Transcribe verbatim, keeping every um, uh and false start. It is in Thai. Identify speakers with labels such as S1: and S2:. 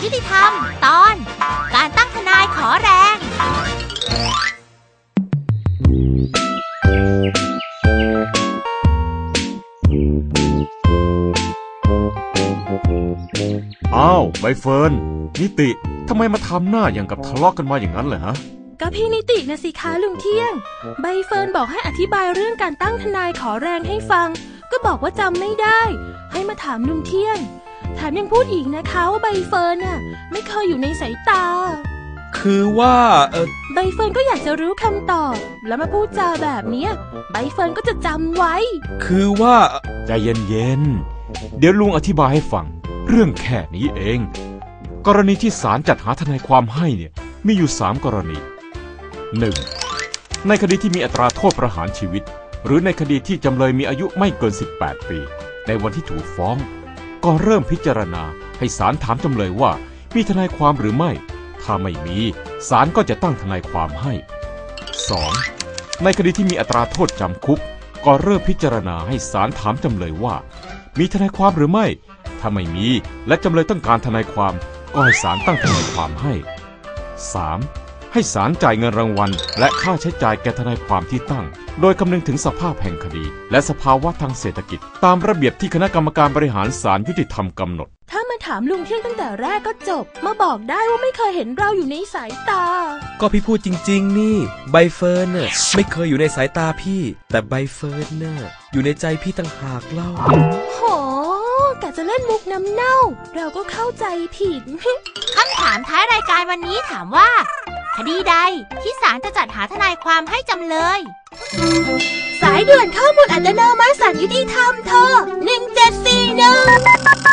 S1: ยุติธรรมตอนการตั้งทนายขอแรง
S2: อ้าวใบเฟิร์นนิติทำไมมาทำหน้าอย่างกับทะเลาะกันมาอย่างนั้นเหรอฮะ
S3: ก็พี่นิตินะสิคะลุงเที่ยงใบเฟิร์นบอกให้อธิบายเรื่องการตั้งทนายขอแรงให้ฟังก็บอกว่าจำไม่ได้ให้มาถามลุงเที่ยงแถมยังพูดอีกนะคะว่าใบเฟิร์นน่ะไม่เคยอยู่ในสายตา
S4: คือว่าเออ
S3: ใบเฟิร์นก็อยากจะรู้คำตอบแล้วมาพูดจาแบบเนี้ยใบเฟิร์นก็จะจำไว้
S4: คือว่า
S2: ใจเย็นๆเดี๋ยวลุงอธิบายให้ฟังเรื่องแค่นี้เองกรณีที่ศาลจัดหาทนายความให้เนี่ยมีอยู่สามกรณีหนึ่งในคดีที่มีอัตราโทษประหารชีวิตหรือในคดีที่จำเลยมีอายุไม่เกินสิบแปดปีในวันที่ถูกฟ้องก่อนเริ่มพิจารณาให้ศาลถามจำเลยว่ามีทนายความหรือไม่ถ้าไม่มีศาลก็จะตั้งทนายความให้ สอง ในคดีที่มีอัตราโทษจำคุกก่อนเริ่มพิจารณาให้ศาลถามจำเลยว่ามีทนายความหรือไม่ถ้าไม่มีและจำเลยต้องการทนายความก็ให้ศาลตั้งทนายความให้ สาม ให้ศาลจ่ายเงินรางวัลและค่าใช้จ่ายแก่ทนายความที่ตั้งโดยคำนึงถึงสภาพแห่งคดีและสภาวะทางเศรษฐกิจตามระเบียบที่คณะกรรมการบริหารศาลยุติธรรมกำหนด
S3: ถ้ามาถามลุงเที่ยงตั้งแต่แรกก็จบมาบอกได้ว่าไม่เคยเห็นเราอยู่ในสายตา
S4: ก็พี่พูดจริงๆนี่ใบเฟิร์นน่ะไม่เคยอยู่ในสายตาพี่แต่ใบเฟิร์นน่ะอยู่ในใจพี่ต่างหากเล่า
S3: โหกะจะเล่นมุกน้ำเน่าเราก็เข้าใจผิด
S1: คำถามท้ายรายการวันนี้ถามว่าคดีใดที่ศาลจะจัดหาทนายความให้จำเลย
S3: สายด่วนข้อมูลอัตโนมัติศาลยุติธรรมโทรหนึ่งเจ็ดสี่หนึ่ง